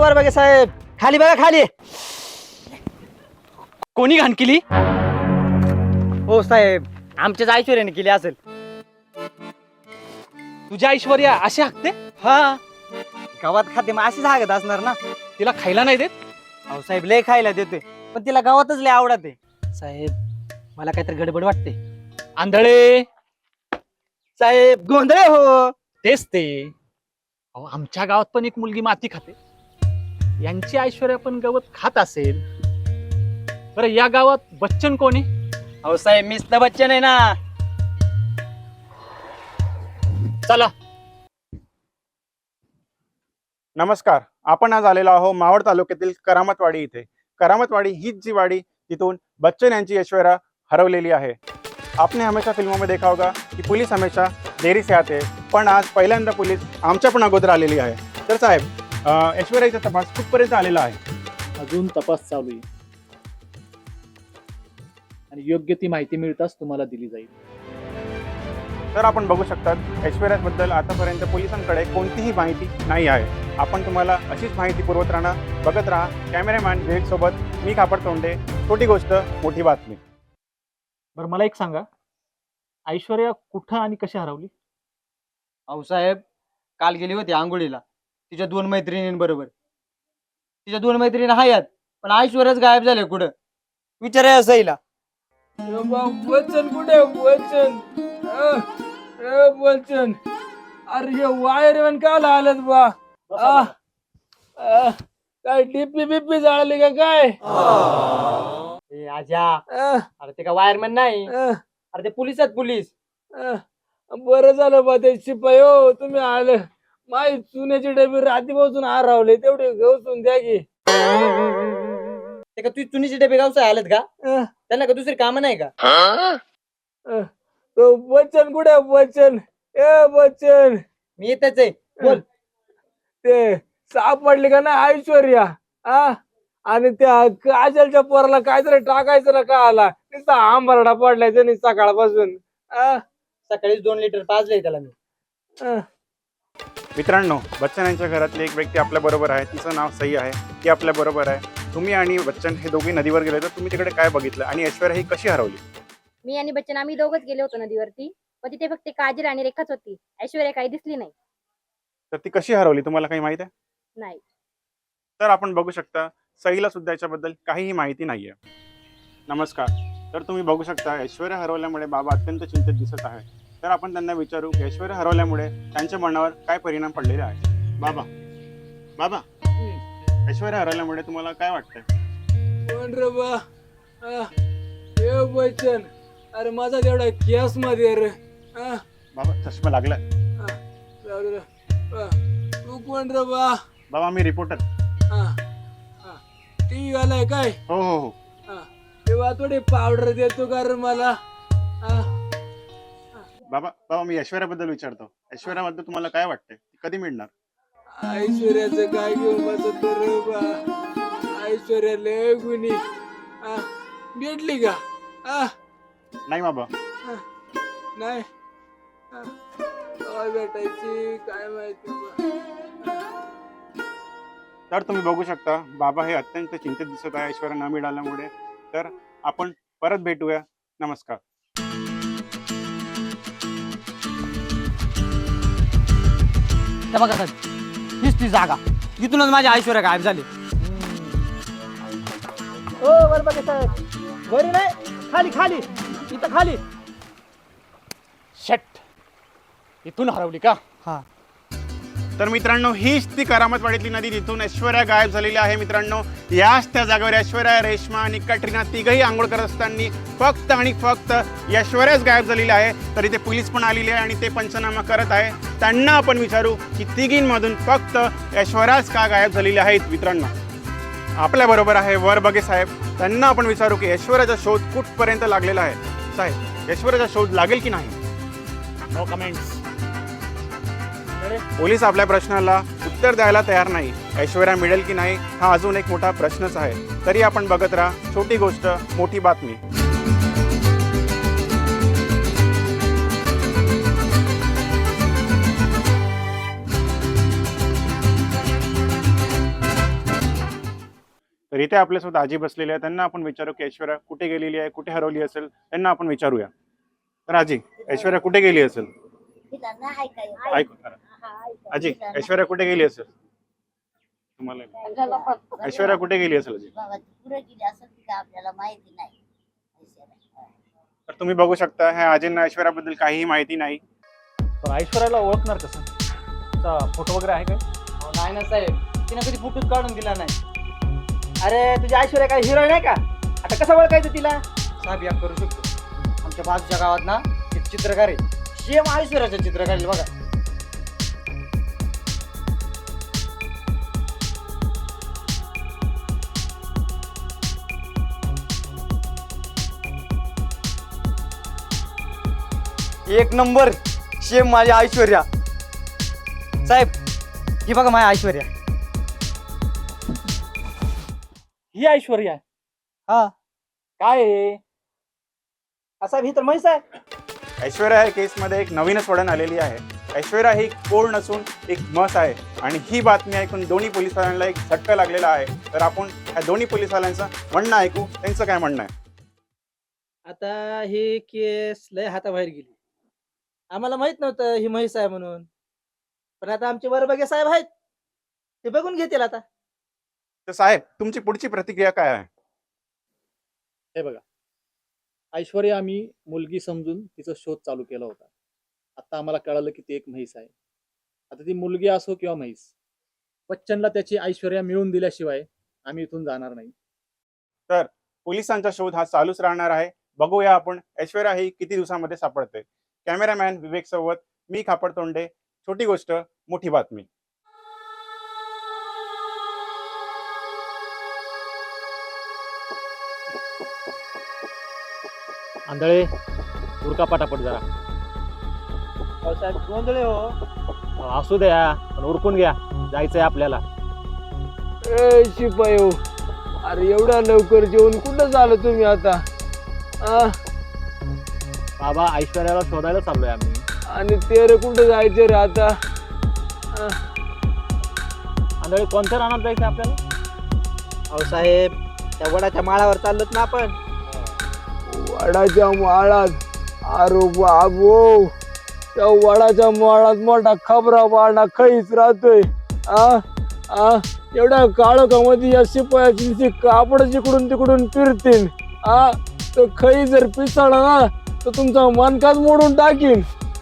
वर बघा साहेब, खाली बघा खाली. कोणी घाण केली? हो साहेब, आमच्याच ऐश्वर्याने केली असेल. तुझ्या ऐश्वर्या अशी हाकते? हा, गावात खाते मग अशीच हागत असणार ना. तिला खायला नाही देत? अहो साहेब, लय खायला देतोय, पण तिला गावातच लय आवडते. साहेब, मला काहीतरी गडबड वाटते. आंधळे. साहेब, गोंधळे हो. तेच ते. अहो, आमच्या गावात पण एक मुलगी माती खाते. यांची ऐश्वर्या पण गवत खात असेल. बरं, या गावात बच्चन कोण आहे? अहो साहेब, मीच तर बच्चन आहे ना. चला. नमस्कार. आपण आज आलेलो आहोत मावळ तालुक्यातील करामतवाडी इथे. करामतवाडी हीच जी वाडी तिथून बच्चन यांची ऐश्वर्या हरवलेली आहे. आपने हमेशा फिल्मों में देखा होगा कि पुलिस हमेशा देरी से आते हैं, पण आज पहिल्यांदा पोलीस आमच्या पण अगोदर आलेली आहे. तर साहेब, ऐश्वर्याचा तपास कुठपर्यंत आलेला आहे? अजून तपास चालू आहे आणि योग्य ती माहिती मिळताच तुम्हाला दिली जाईल. तर आपण बघू शकतात ऐश्वर्याबद्दल आतापर्यंत पोलिसांकडे कोणतीही माहिती नाही आहे. आपण तुम्हाला अशीच माहिती पुरवत राहणार. बघत राहा कॅमेरामॅन विवेक सोबत मी कापड तोंडे. छोटी गोष्ट मोठी बातमी. बरं, मला एक सांगा, ऐश्वर्या कुठं आणि कशी हरवली? अहो साहेब, काल गेली होती आंघोळीला तिच्या 2 मैत्रिणींबरोबर. तिच्या 2 मैत्रिणी आहेत, पण ऐश्वर्याच गायब झाले. कुठं विचाराय असायला. वचन कुठे वचन? वचन, अरे हे वायरमॅन काला आलेत बा? काय डीपी बिपी जाळली का काय? आजा, अरे ते का वायरमॅन नाही, अरे ते पोलीस आहेत, पोलीस. बरं झालं बा ते शिपाई हो, तुम्ही आलं. माई चुन्याची डबी रात्रीपासून हरवले, तेवढे घेऊन द्या की. ते का तुझी चुनीचे डबे गावचा आलेत का? त्यांना का दुसरी कामं नाही का? तो वचन कुठे वचन? ए वचन, मी येतच आहे, बोल. ते सापडली का ना ऐश्वर्या? आणि त्या काजलच्या पोराला काहीतरी टाकायचं ना का आला, नुसता आंबरडा पडलाय त्यांनी सकाळपासून. सकाळीच 2 लिटर पाजले त्याला मी. मित्रांनो, बच्चन यांच्या घरातली एक व्यक्ती आपल्या बरोबर आहे. तिचं नाव सई आहे. ती आपल्या बरोबर आहे. तुम्ही आणि बच्चन हे दोघे नदीवर गेले, तर तुम्ही तिकडे काय बघितलं आणि ऐश्वर्या ही कशी हरवली? मी आणि बच्चन आम्ही दोघच गेलो होतो नदीवरती, पण तिथे फक्त काजल आणि रेखाच होती. ऐश्वर्या काही दिसली नाही. तर ती कशी हरवली तुम्हाला काही माहित आहे? नाही. तर आपण बघू शकता सईला सुद्धा याच्याबद्दल काहीही माहिती नाहीये. नमस्कार. तर तुम्ही बघू शकता ऐश्वर्या हरवल्यामुळे बाबा अत्यंत चिंतित दिसत आहे. तर आपण त्यांना विचारू की ऐश्वर्या हरवल्यामुळे त्यांच्या मनावर काय परिणाम पडलेले आहे. बाबा, बाबा, ऐश्वर्या हरवल्यामुळे तुम्हाला काय वाटतंय? कोण रे बा? हे वचन, अरे माझा तेवढा केस मध्ये रे. बाबा, चष्मा लागलाय. तू कोण रे बा? बाबा, मी रिपोर्टर. टी आलाय काय? हो हो हो. तेव्हा थोडी पावडर देतो का रे मला? बाबा, बाबा, मी ऐश्वर्याबद्दल विचारतो. ऐश्वर्याबद्दल तुम्हाला काय वाटतंय? कधी मिळणार? ऐश्वर्याचं काय घेऊन बसत रे बा? ऐश्वर्या लय गुणी. भेटली का? नाही बाबा. नाही. काय भेटायची काय माहिती बा. तर तुम्ही बघू शकता बाबा हे अत्यंत चिंतित दिसत आहे ऐश्वर्या न मिळाल्यामुळे. तर आपण परत भेटूया. नमस्कार. बघा साहेब, हीच ती जागा, इथूनच माझी ऐश्वर्या गायब झाली. ओ वर बघा साहेब, वरी नाही, खाली खाली, इथं खाली. शट, इथून हरवली का? हा. तर मित्रांनो, हीच ती करामतवाडीतली नदी जिथून ऐश्वर्या गायब झालेली आहे. मित्रांनो, याच त्या जागेवर ऐश्वर्या, रेश्मा आणि कटरीना तिघही आंघोळ करत असताना फक्त आणि फक्त ऐश्वर्याच गायब झालेली आहे. तर इथे पोलीस पण आलेली आहे आणि ते पंचनामा करत आहे. त्यांना आपण विचारू की तिघींमधून फक्त ऐश्वर्याच का गायब झालेली आहेत. मित्रांनो, आपल्या बरोबर आहे वर बघे साहेब. त्यांना आपण विचारू की ऐश्वर्याचा शोध कुठपर्यंत लागलेला आहे. साहेब, ऐश्वर्याचा शोध लागेल की नाही? No comments. पोलीस आपल्या प्रश्नाला उत्तर द्यायला तयार नाही. ऐश्वर्या मिळेल की नाही हा अजून एक मोठा प्रश्नच आहे. तरी आपण बघत राहा छोटी गोष्ट मोठी बातमी. तर इथे आपल्यासोबत आजी बसलेली आहे, त्यांना आपण विचारू की ऐश्वर्या कुठे गेलेली आहे, कुठे हरवली असेल, त्यांना आपण विचारूया. तर आजी, ऐश्वर्या कुठे गेली असेल? ऐकू खरं. आजी, ऐश्वर्या कुठे गेली असेल? तुम्हाला ऐश्वर्या कुठे गेली असेल आजी? पुढे गेली असं ती का आपल्याला माहिती नाही. तर तुम्ही बघू शकता ह्या आजींना ऐश्वर्याबद्दल काहीही माहिती नाही. पण ऐश्वर्याला ओळखणार कसं? तिचा फोटो वगैरे आहे काय? अहो, नाही ना साहेब, तिने कधी फोटोच काढून दिला नाही. अरे तुझी ऐश्वर्या काय हिरोईन आहे का? आता कसं ओळखायचं तिला? साहेब या करू शकतो. आमच्या बाजूच्या गावात ना एक चित्रकार आहे, सेम ऐश्वर्याचं चित्र काढलं बघा. एक नंबर सेम माझी ऐश्वर्या. साहेब ही बघा माझी ऐश्वर्या. ही ऐश्वर्या आहे. हा काय आहे? असा ही तर म्हैस आहे. ऐश्वर्या या केसमध्ये एक नवीनच वळण आलेली आहे. ऐश्वर्या ही कोण नसून एक म्हस आहे आणि ही बातमी ऐकून दोन्ही पोलिसवाल्यांना एक झटका लागलेला आहे. तर आपण या दोन्ही पोलिसवाल्यांचं म्हणणं ऐकू, त्यांचं काय म्हणणं आहे. आता ही केस लय हाताबाहेर गेली. आम्हाला माहित नव्हतं ही म्हैस आहे म्हणून, पण आता आमचे वरबगे साहेब आहेत, ते बघून घेतील आता. तर साहेब, तुमची पुढची प्रतिक्रिया काय आहे? हे बघा, ऐश्वर्या आम्ही मुलगी समजून तिचा शोध चालू केला होता. आता आम्हाला कळालं की ती एक म्हैस आहे. आता ती मुलगी असो किंवा म्हैस, बच्चनला त्याची ऐश्वर्या मिळवून दिल्याशिवाय आम्ही इथून जाणार नाही. तर पोलिसांचा शोध हा चालूच राहणार आहे. बघूया आपण ऐश्वर्या ही किती दिवसामध्ये सापडते. कॅमेरामॅन विवेक सोबत मी खापड तोंडे. छोटी गोष्ट मोठी बातमी. आंधळे उरका पटापट जरा. अहो साहेब गोंधळे हो. असू द्या, पण उरकून घ्या, जायचंय आपल्याला. ए शिपाई हो, अरे एवढ्या लवकर जेवण कुठं झालं तुम्ही आता? बाबा, ऐश्वर्याला शोधायला चाललोय आम्ही. आणि ते रे कुठं जायचं रे आता? आंधळे कोणत्या रानात जायचं आपल्याला? अहो साहेब, त्या वडाच्या माळावर चाललोत ना आपण. वडाच्या माळात? अरे बाबो, त्या वडाच्या माळात मोठा खबरा पाडा खैस राहतोय. एवढ्या काळोखामध्ये या शिपायाची कापड जिकडून तिकडून फिरतील. तो खई जर पिसाळा ना तर तुमचा मनकाच मोडून टाकीन.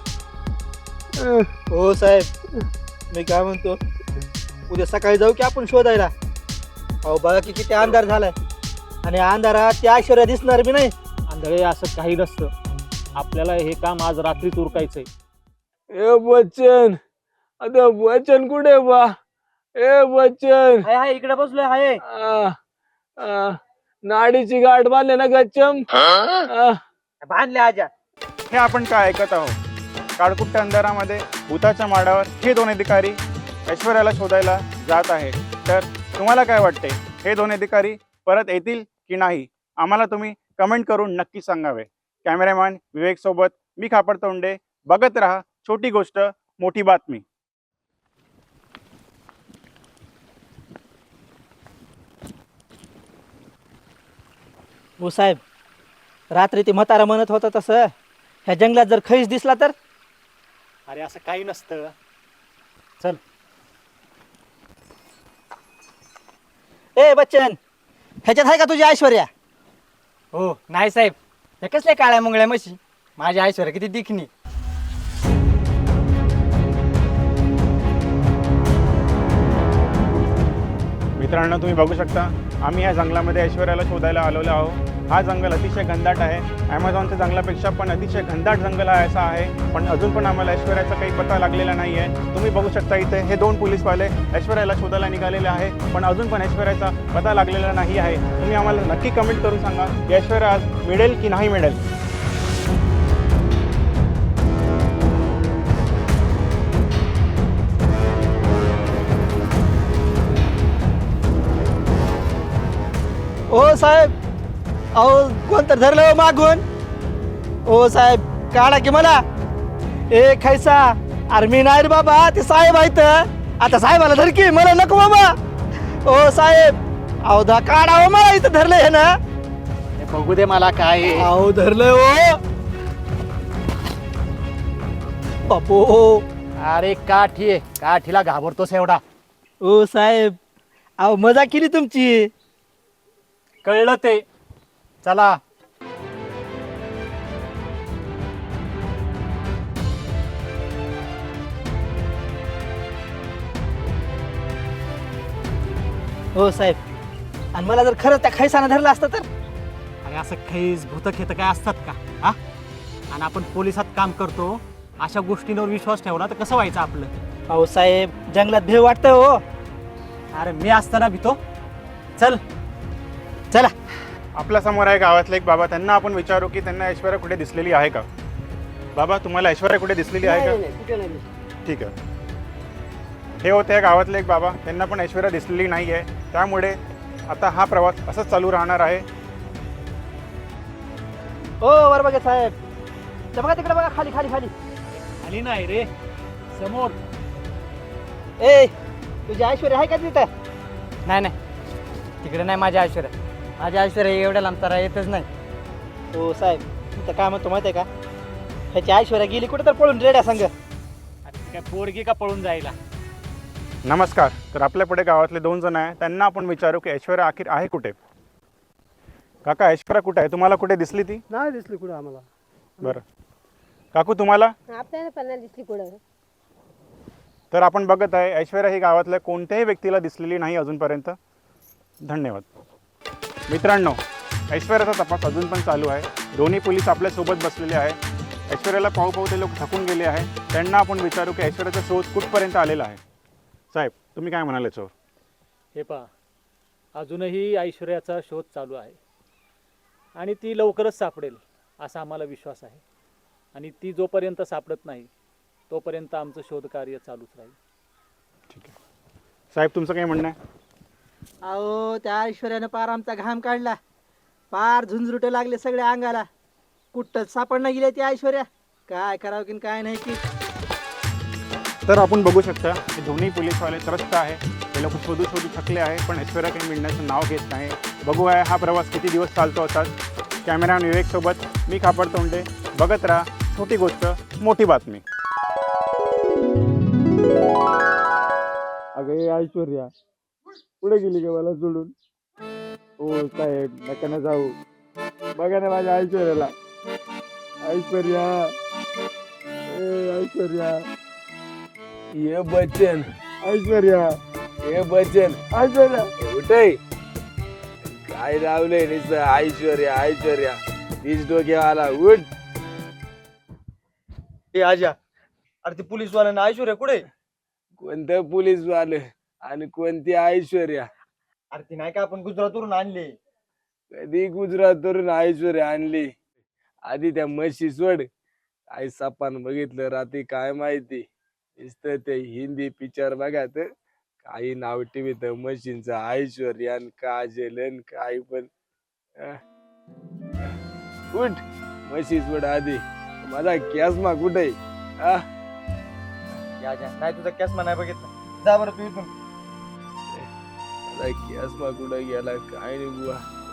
हो साहेब, मी काय म्हणतो, उद्या सकाळी जाऊ की आपण शोधायला? अहो बघा की किती अंधार झालाय, आणि अंधारात त्या ऐश्वर्या दिसणार बी नाही. आंधळे, असं काही नसतं. आपल्याला हे काम आज रात्रीच उरकायचंय. ए बच्चन, आता बच्चन कुठे बा? ए बच्चन, हाय हाय इकडे बसलोय. हाय नाडीची गाठ बांधले ना गच्चम? बांधले आजा. हे आपण काय ऐकत आहोत? काळकुट्ट अंधारामध्ये भूताच्या माडावर हे दोन अधिकारी ऐश्वर्याला शोधायला जात आहे. तर तुम्हाला काय वाटते, हे दोन अधिकारी परत येतील की नाही? आम्हाला तुम्ही कमेंट करून नक्की सांगावे. कॅमेरामॅन विवेक सोबत मी खापड तोंडे. बघत राहा छोटी गोष्ट मोठी बातमी. हो साहेब, रात्री ते म्हातारा म्हणत होता तसं ह्या जंगलात जर खैस दिसला तर? अरे असं काही नसतं. चल. ए बच्चन, ह्याच्यात आहे का तुझी ऐश्वर्या? हो नाही साहेब, हे कसल्या काळ्या मुंगळ्या म्हशी. माझी ऐश्वर्या किती दिखणी. मित्रांनो, तुम्ही बघू शकता आम्ही या जंगलामध्ये ऐश्वर्याला शोधायला आलेलो आहोत. हा जंगल अतिशय घनदाट आहे. ॲमेझॉनच्या जंगलापेक्षा पण अतिशय घनदाट जंगल हा असा आहे. पण अजून पण आम्हाला ऐश्वर्याचा काही पत्ता लागलेला नाही आहे. तुम्ही बघू शकता इथे हे दोन पोलीसवाले ऐश्वर्याला शोधायला निघालेले आहे, पण अजून पण ऐश्वर्याचा पत्ता लागलेला नाही आहे. तुम्ही आम्हाला नक्की कमेंट करून सांगा की ऐश्वर्या आज मिळेल की नाही मिळेल. ओ साहेब, अहो कोणतं धरलं हो मागून? ओ साहेब, काढा की मला. ए खैसा, अरे मी नाही रे बाबा, ते साहेब आहेत. आता साहेबाला धर की, मला नको बाबा. ओ साहेब, अहो दा काढावं मला इथं धरलंय हे ना. हे बघू दे मला काय आहे. अहो धरलंय हो बापो. अरे काठी आहे, काठीला घाबरतोस एवढा? ओ साहेब, अहो मजा केली तुमची. कळलं ते. चला. हो साहेब, आणि मला जर खरंच त्या खैसानं धरलं असतं तर? अरे असं खैस भूत खेत काय असतात का? हा? आणि आपण पोलिसात काम करतो, अशा गोष्टींवर विश्वास ठेवला तर कसं व्हायचं आपलं? अहो साहेब, जंगलात भेव वाटतंय हो. अरे मी असताना भीतो? चल चला. आपल्या समोर आहे गावातले एक बाबा, त्यांना आपण विचारू की त्यांना ऐश्वर्या कुठे दिसलेली आहे का. बाबा, तुम्हाला ऐश्वर्या कुठे दिसलेली आहे का? ठीक आहे. हे होते गावातले एक बाबा, त्यांना पण ऐश्वर्या दिसलेली नाही आहे. त्यामुळे आता हा प्रवास असंच चालू राहणार आहे. हो वर बघा साहेब, ते बघा तिकडे बघा, खाली खाली खाली. आली नाही रे, समोर. ए, तुझी ऐश्वर्या आहे का तिथं? नाही नाही, तिकडे नाही माझ्या ऐश्वर्या. माझ्या ऐश्वर्या एवढ्या लांब तर येतच नाही. हो साहेब, तिथं काय म्हणतो माहिती आहे का, ह्याची ऐश्वर्या गेली कुठे तर पळून रेड्या संग. अरे काय पोरगी का पळून जायला? नमस्कार. तर आपल्या पुढे गावातले 2 जण आहे, त्यांना आपण विचारू की ऐश्वर्या अखेर आहे कुठे. काका, ऐश्वर्या कुठे आहे? तुम्हाला कुठे दिसली ती? नाही दिसली कुठं आम्हाला. बरं. काकू, तुम्हाला? आपल्याला पण नाही दिसली कुठं. तर आपण बघत आहे, ऐश्वर्या ही गावातल्या कोणत्याही व्यक्तीला दिसलेली नाही अजूनपर्यंत. धन्यवाद. मित्रांनो, ऐश्वर्याचा तपास अजून पण चालू आहे. दोन्ही पोलीस आपल्यासोबत बसलेले आहे. ऐश्वर्याला पाहू पाहू ते लोक थकून गेले आहे. त्यांना आपण विचारू की ऐश्वर्याचा शोध कुठपर्यंत आलेला आहे. साहेब, तुम्ही काय म्हणाले याच्यावर? हे पहा, अजूनही ऐश्वर्याचा शोध चालू आहे आणि ती लवकरच सापडेल असा आम्हाला विश्वास आहे. आणि ती जोपर्यंत सापडत नाही तोपर्यंत आमचं शोधकार्य चालूच राहील. ठीक आहे. साहेब, तुमचं काय म्हणणं आहे? अहो त्या ऐश्वर्यानं पार आमचा घाम काढला, पार झुंझरुटे लागले सगळ्या अंगाला. कुठंच सापडणं गेली ती ऐश्वर्या. काय करावं की काय नाही की. तर आपण बघू शकता की दोन्ही पोलीसवाले त्रस्त आहे. ते लोक शोधू थकले आहे, पण ऐश्वर्या काही मिळण्याचं नाव घेत नाही. बघूया हा प्रवास किती दिवस चालतो असाच. कॅमेरामॅन विवेकसोबत मी खापड तोंडे. बघत राहा छोटी गोष्ट मोठी बातमी. अगं ऐश्वर्या पुढे गेली का मला सोडून? हो साहेब, नका ना जाऊ. बघा ना माझ्या ऐश्वर्याला. ऐश्वर्या, ए ऐश्वर्या, ये बच्चन. ऐश्वर्या, ये बच्चन. ऐश्वर्या कुठे? काय लावलंय नुसतं ऐश्वर्या ऐश्वर्या. तीच डोक्याला उठ. ए आजा, अरे ते पोलीसवाल्यांना ऐश्वर्या कुठे? कोणतं पोलीस वाले आणि कोणती ऐश्वर्या? अरे ती नाही का आपण गुजरातवरून आणली. कधी गुजरातवरून ऐश्वर्या आणली? आधी त्या म्हशी सोड. काय सपान बघितलं रात्री काय माहिती. नुसतं ते हिंदी पिक्चर बघा तर काही नाव टीव्हीत म्हशींचं ऐश्वर्या आणि काजल आणि काय पण. उठ, म्हशी सोड आधी. माझा कॅसमा कुठे? आजा, नाही तुझा कॅसमा नाही बघितला. जा बरं तू इथून. माझा कॅसमा कुठे गेला काय नाही बुवा.